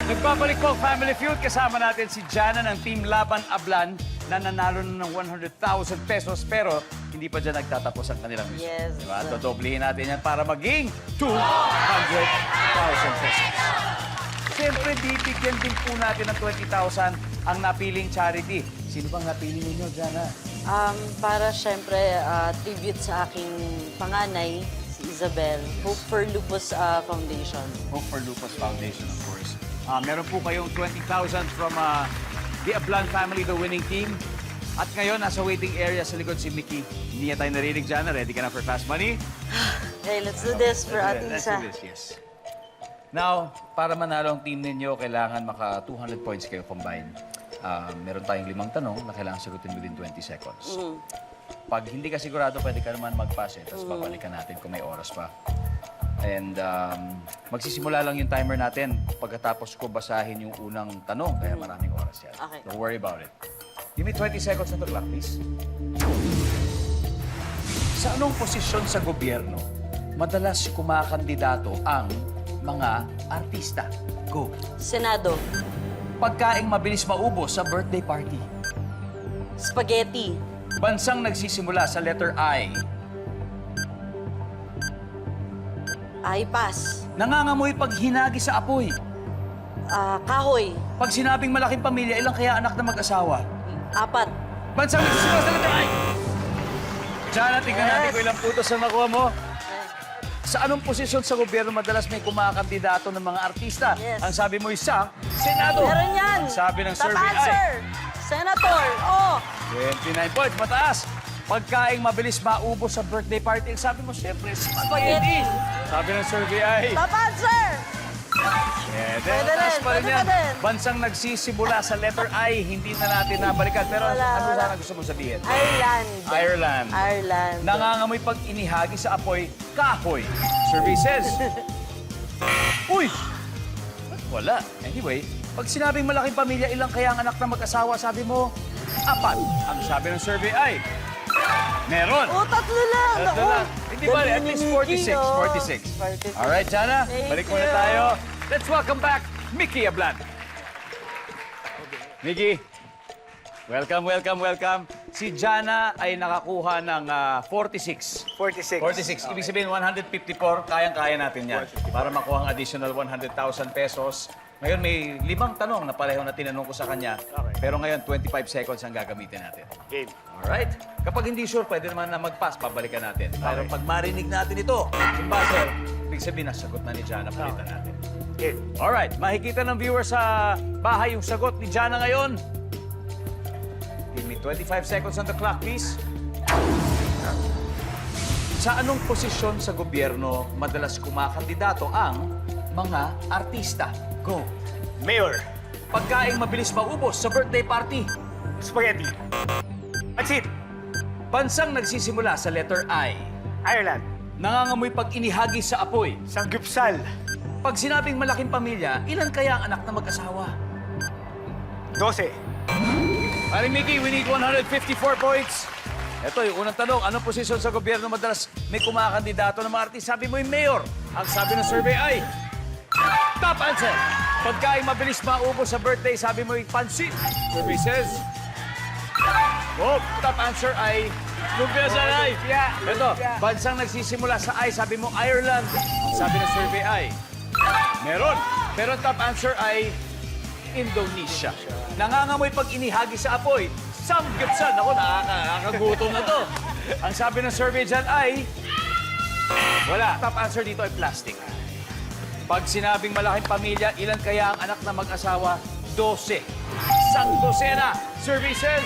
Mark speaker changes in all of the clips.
Speaker 1: Nagbabalik po ang Family Feud. Kasama natin si Jana ng Team Laban Ablan na nanalo na ng 100,000 pesos pero hindi pa dyan nagtatapos ang kanilang mission.
Speaker 2: Yes.
Speaker 1: Diba? Dodoblihin natin yan para maging 200,000 pesos. Siyempre, bibigyan din po natin ng 20,000 ang napiling charity. Sino bang napili ninyo, Jana?
Speaker 2: Para syempre, tribute sa aking panganay, si Isabel, Hope for Lupus Foundation.
Speaker 1: Hope for Lupus Foundation, of course. Meron po kayong 20,000 from the Ablan family, the winning team. At ngayon, nasa waiting area sa likod si Mickey. Hindi niya tayo narinig dyan. Ready ka na for fast money?
Speaker 2: Okay, let's do this for ating
Speaker 1: Let's
Speaker 2: isa.
Speaker 1: do this, yes. Now, para manalo ang team ninyo, kailangan maka 200 points kayo combined. Meron tayong 5 tanong na kailangan sagutin within 20 seconds. Pag hindi ka sigurado, pwede ka naman mag-pass eh. Tapos babalikan natin kung may oras pa. And magsisimula lang yung timer natin pagkatapos ko basahin yung unang tanong. Kaya maraming oras yan.
Speaker 2: Okay.
Speaker 1: Don't worry about it. Give me 20 seconds on the clock, please. Sa anong posisyon sa gobyerno madalas kumakandidato ang mga artista? Go.
Speaker 2: Senado,
Speaker 1: Pagkaing mabilis maubos sa birthday party.
Speaker 2: spaghetti,
Speaker 1: Bansang nagsisimula sa letter I.
Speaker 2: pass,
Speaker 1: Nangangamoy pag hinagi sa apoy.
Speaker 2: kahoy,
Speaker 1: Pag sinabing malaking pamilya, ilang kaya anak na mag-asawa?
Speaker 2: 4,
Speaker 1: Bansang nagsisimula sa letter I. Jana, tingnan natin kung ilang putos ang nakuha mo. Sa anong posisyon sa gobyerno madalas may kumakandidato ng mga artista?
Speaker 2: Yes.
Speaker 1: Ang sabi mo isa, Senado.
Speaker 2: Meron yan.
Speaker 1: Ang sabi ng
Speaker 2: Top
Speaker 1: survey ay
Speaker 2: answer. Senator, oh.
Speaker 1: 29 points, mataas. Pagkaing mabilis maubos sa birthday party, ang sabi mo, siyempre, spaghetti.
Speaker 2: Spaghetti.
Speaker 1: Sabi ng survey ay
Speaker 2: Top answer.
Speaker 1: Pwede,
Speaker 2: Pwede
Speaker 1: mataas
Speaker 2: rin,
Speaker 1: pa rin
Speaker 2: pwede
Speaker 1: yan.
Speaker 2: pa din.
Speaker 1: Bansang nagsisimula sa letter I, hindi na natin nabalikan. Pero
Speaker 2: Wala,
Speaker 1: ano
Speaker 2: wala.
Speaker 1: sana gusto mo sabihin?
Speaker 2: Ireland.
Speaker 1: Ireland.
Speaker 2: Ireland.
Speaker 1: Nangangamoy pag inihagi sa apoy, kahoy. Survey says. Uy! Wala. Anyway, pag sinabing malaking pamilya, ilang kaya ang anak na mag-asawa, sabi mo, 4. Ang sabi ng survey ay, meron.
Speaker 2: Oh, tatlo lang.
Speaker 1: Tatlo lang. Hindi ba? At least 46. 46. Alright, Jana.
Speaker 2: Thank
Speaker 1: Balik muna
Speaker 2: you.
Speaker 1: tayo. Let's welcome back Mickey Ablan. Mickey, welcome, welcome, welcome. Si Jana ay nakakuha ng 46.
Speaker 3: 46.
Speaker 1: 46. Ibig sabihin, 154. Kayang-kaya natin yan. Para makuha ang additional 100,000 pesos. Ngayon, may 5 tanong na pareho na tinanong ko sa kanya.
Speaker 3: Okay.
Speaker 1: Pero ngayon, 25 seconds ang gagamitin natin.
Speaker 3: Game.
Speaker 1: Alright? Kapag hindi sure, pwede naman na mag-pass, pabalikan natin. Pero pag marinig natin ito, yung buzzer, ibig sabihin, nasagot na ni Jana, palitan natin.
Speaker 3: Game.
Speaker 1: Alright, makikita ng viewer sa bahay yung sagot ni Jana ngayon. Give me 25 seconds on the clock, please. Sa anong posisyon sa gobyerno madalas kumakandidato ang mga artista? Go.
Speaker 3: Mayor.
Speaker 1: Pagkaing mabilis maubos sa birthday party.
Speaker 3: Spaghetti. Pansit.
Speaker 1: Bansang nagsisimula sa letter I.
Speaker 3: Ireland.
Speaker 1: Nangangamoy pag inihagi sa apoy.
Speaker 3: Sanggupsal.
Speaker 1: Pag sinabing malaking pamilya, ilan kaya ang anak na mag-asawa?
Speaker 3: 12.
Speaker 1: Paring Mickey, we need 154 points. Ito yung unang tanong, anong posisyon sa gobyerno madalas may kumakandidato ng mga artista? Sabi mo yung mayor. Ang sabi ng survey ay, top answer. Pagkain mabilis maubos sa birthday, sabi mo yung pansit. Survey says, oh, top answer ay lumpia sa life. Ito, bansang nagsisimula sa I, sabi mo Ireland. Ang sabi ng survey ay, meron. Pero top answer ay Indonesia. Nangangamoy pag inihagi sa apoy. Samgyupsal. Ako, nakakagutom na to. Ang sabi ng survey dyan ay, wala. Top answer dito ay plastic. Pag sinabing malaking pamilya, ilan kaya ang anak na mag-asawa? 12. Isang dosena. Survey says,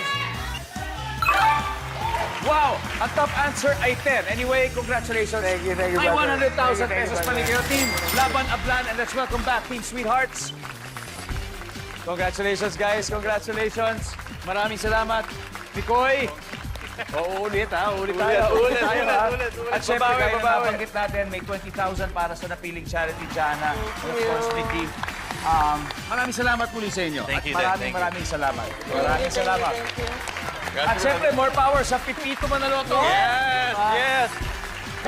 Speaker 1: wow! Ang top answer ay 10. Anyway, congratulations.
Speaker 3: Thank you,
Speaker 1: May
Speaker 3: brother.
Speaker 1: 100,000
Speaker 3: Thank you,
Speaker 1: pesos
Speaker 3: brother.
Speaker 1: paligid team. Laban Ablan, and let's welcome back Team Sweethearts. Congratulations, guys. Congratulations. Maraming salamat. Pikoy. Ulit ha. Ulit tayo.
Speaker 3: Ulit.
Speaker 1: At syempre,
Speaker 3: Babawi,
Speaker 1: gaya na
Speaker 3: babawi.
Speaker 1: nabanggit natin, may 20,000 para sa napiling charity, Jana. And of course, Mickey. Maraming salamat muli sa inyo.
Speaker 4: Thank you,
Speaker 1: At
Speaker 4: Dad.
Speaker 1: maraming salamat. Maraming salamat.
Speaker 2: Thank you.
Speaker 1: At syempre, more power sa Pipito Manaloto.
Speaker 4: Yes! Yes!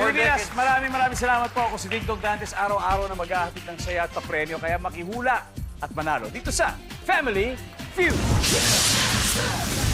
Speaker 1: Pilipinas, maraming salamat po. Ako si Dingdong Dantes, araw-araw na maghahatid ng saya at papremyo. Kaya makihula at manalo dito sa Family Feud.